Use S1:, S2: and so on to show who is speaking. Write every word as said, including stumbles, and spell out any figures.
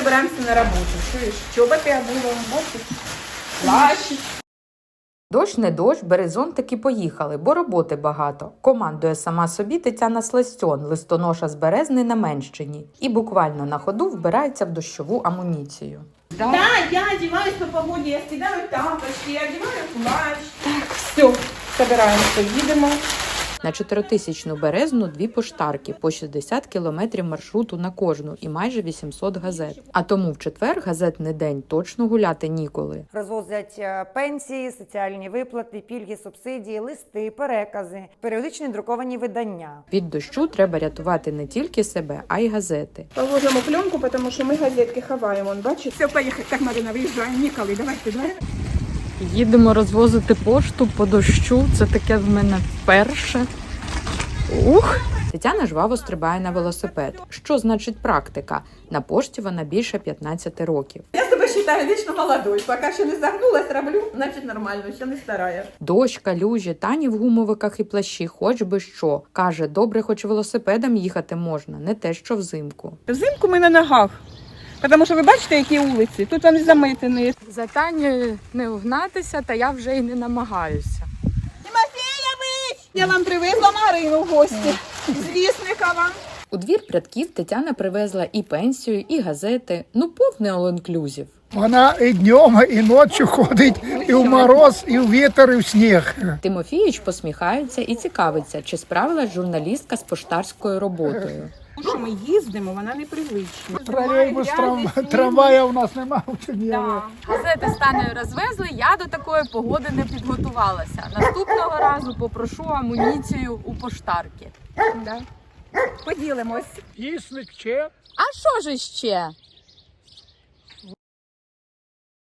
S1: собираемся на работу. Чуєш? Чоботи обула, бачиш? Плащ.
S2: Дощ не дощ, бери зонтик і поїхали, бо роботи багато. Командує сама собі Тетяна Сластьон, листоноша з Березни на Менщині. І буквально на ходу вбирається в дощову амуніцію.
S1: Да, да, я одеваюсь по погоде, я скидаю тапочки, я одеваю плащ. Так, все, собираемся, їдемо.
S2: На чотиритисячну Березну дві поштарки, по шістдесят кілометрів маршруту на кожну і майже вісімсот газет. А тому в четвер газетний день точно гуляти ніколи.
S3: Розвозять пенсії, соціальні виплати, пільги, субсидії, листи, перекази, періодичні друковані видання.
S2: Від дощу треба рятувати не тільки себе, а й газети.
S1: Положимо пленку, тому що ми газетки ховаємо. Он, бачиш? Все, поїхали. Так, Марина, виїжджаємо, ніколи. Давайте, давай.
S2: Їдемо розвозити пошту по дощу. Це таке в мене вперше. Ух! Тетяна жваво стрибає на велосипед. Що значить практика? На пошті вона більше п'ятнадцяти років.
S1: Я себе вважаю вічно молодою. Поки ще не загнулась, роблю, значить нормально, ще не старая.
S2: Дощ, калюжі, Тані в гумовиках і плащі, хоч би що. Каже, добре, хоч велосипедом їхати можна, не те, що взимку.
S1: Взимку ми на ногах. Тому що ви бачите, які вулиці, тут вони заметені.
S2: За Танею не вгнатися, та я вже й не намагаюся.
S1: Тимофєєвич! Я вам привезла Марину в гості. З Вісникова.
S2: У двір Прядків Тетяна привезла і пенсію, і газети. Ну, повний all-inclusive.
S4: Вона і днем, і ночі ходить, і в мороз, і в вітер, і в сніг.
S2: Тимофійович посміхається і цікавиться, чи справилась журналістка з поштарською роботою.
S1: Що ми їздимо, вона непривична.
S4: Тролейбус, трам... трамвая у нас немає в Чернігові.
S1: Да.
S2: Газети з Танею розвезли, я до такої погоди не підготувалася. Наступного разу попрошу амуніцію у поштарки.
S1: Да. Поділимось.
S4: Вісник, че?
S2: А що ж іще?